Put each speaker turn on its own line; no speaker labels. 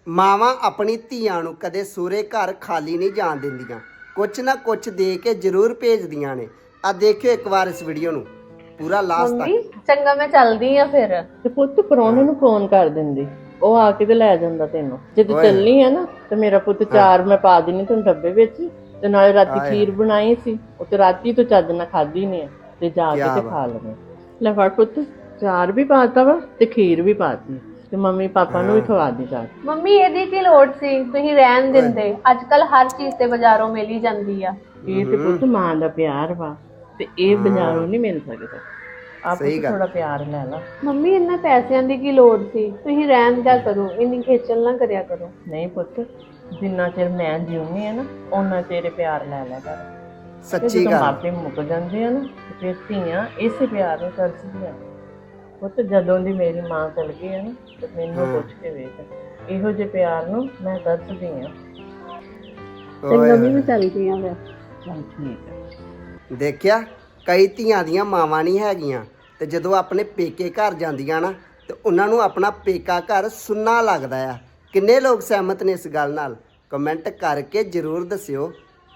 ਮਾਵਾਂ ਆਪਣੀ ਧੀਆਂ ਨੂੰ ਕਦੇ ਸਹੁਰੇ ਘਰ ਖਾਲੀ ਨਹੀਂ ਜਾਣ ਦਿੰਦੀਆਂ, ਕੁਛ ਨਾ ਕੁਛ ਦੇ ਕੇ ਜ਼ਰੂਰ ਭੇਜਦੀਆਂ ਨੇ। ਆ ਦੇਖਿਓ ਇੱਕ ਵਾਰ ਇਸ ਵੀਡੀਓ ਨੂੰ ਪੂਰਾ ਲਾਸਟ
ਮੰਮੀ
ਤੱਕ।
ਚੰਗਾ ਮੈਂ ਚੱਲਦੀ ਆ ਫਿਰ।
ਤੇ ਪੁੱਤ ਪ੍ਰਾਹੁਣੇ ਨੂੰ ਫੋਨ ਕਰ ਦਿੰਦੀ, ਉਹ ਆ ਕੇ ਤੇ ਲੈ ਜਾਂਦਾ ਤੈਨੂੰ। ਜਦੋਂ
ਓਏ।
ਚੱਲਣੀ ਆ ਨਾ ਤੇ ਮੇਰਾ ਪੁੱਤ ਚਾਰ ਮੈਂ ਪਾ ਦੇਣੀ ਤੈਨੂੰ ਡੱਬੇ ਵਿੱਚ, ਤੇ ਨਾਲੇ ਰਾਤੀ ਖੀਰ ਬਣਾਈ ਸੀ, ਉਹ ਤੇ ਰਾਤੀ ਤੋਂ ਚੱਜ ਨਾਲ ਖਾਧੀ ਨਹੀਂ ਤੇ ਜਾ ਕੇ ਤੇ ਖਾ ਲਵੇਂ। ਲੈ ਫੜ ਪੁੱਤ, ਚਾਰ ਵੀ ਪਾਤਾ ਵਾ ਤੇ ਖੀਰ ਵੀ ਪਾਤੀ, ਤੇ ਮੰਮੀ ਪਾਪਾ ਨੂੰ ਵੀ ਖਵਾ ਦੀ ਚਾਰ।
ਮੰਮੀ ਇਹਦੀ ਕੀ ਲੋੜ ਸੀ, ਤੁਸੀਂ ਰਹਿਣ ਦਿੰਦੇ। ਅੱਜ ਕੱਲ ਹਰ ਚੀਜ਼ ਤੇ ਬਾਜ਼ਾਰੋਂ ਮਿਲ ਹੀ ਜਾਂਦੀ ਆ।
ਇਹ ਤੇ ਪੁੱਤ ਮਾਂ ਦਾ ਪਿਆਰ ਵਾ, ਤੇ ਇਹ ਬਾਜ਼ਾਰੋਂ ਨਹੀਂ ਮਿਲ ਸਕਦਾ। ਆਪ ਥੋੜਾ ਪਿਆਰ ਲੈ ਲਾ।
ਮੰਮੀ ਇਹਨਾਂ ਪੈਸਿਆਂ ਦੀ ਕੀ ਲੋੜ ਸੀ, ਤੁਸੀਂ ਰਹਿਣ ਦਿਆ ਕਰੋ, ਇੰਨੀ ਖੇਚਲ ਨਾ ਕਰਿਆ ਕਰੋ।
ਨਹੀਂ ਪੁੱਤ, ਜਿੰਨਾ ਚਿਰ ਮੈਂ ਜਿਉਣੀ ਆ ਨਾ ਉਹਨਾਂ ਤੇਰੇ ਪਿਆਰ ਲੈ ਲਿਆ ਕਰ।
ਸੱਚੀ
ਜਦੋਂ
ਗੱਲ।
ਮਾਪੇ ਮੁੱਕ ਜਾਂਦੇ ਆ ਨਾ ਤੇ ਫਿਰ ਧੀਆਂ ਇਸੇ ਪਿਆਰ ਨੂੰ ਤਰਸਦੀਆਂ। ਪੁੱਤ ਜਦੋਂ ਦੀ ਮੇਰੀ ਮਾਂ ਚਲ ਗਈ ਆ ਨਾ ਤੇ ਮੈਨੂੰ ਪੁੱਛ ਕੇ ਵੇਖ, ਇਹੋ ਜਿਹੇ ਪਿਆਰ ਨੂੰ ਮੈਂ ਤਰਸਦੀ ਆ।
ਚੰਗਾ ਮੈਂ ਚੱਲਦੀ ਆ ਫਿਰ।
ਚੱਲ ਠੀਕ ਹੈ।
ਦੇਖਿਆ, ਕਈ ਧੀਆਂ ਦੀਆਂ ਮਾਵਾਂ ਨਹੀਂ ਹੈਗੀਆਂ, ਤੇ ਜਦੋਂ ਆਪਣੇ ਪੇਕੇ ਘਰ ਜਾਂਦੀਆਂ ਨਾ ਤੇ ਉਹਨਾਂ ਨੂੰ ਆਪਣਾ ਪੇਕਾ ਘਰ ਸੁੰਨਾ ਲੱਗਦਾ ਆ। ਕਿੰਨੇ ਲੋਕ ਸਹਿਮਤ ਨੇ ਇਸ ਗੱਲ ਨਾਲ? ਕਮੈਂਟ ਕਰਕੇ ਜ਼ਰੂਰ ਦੱਸਿਓ।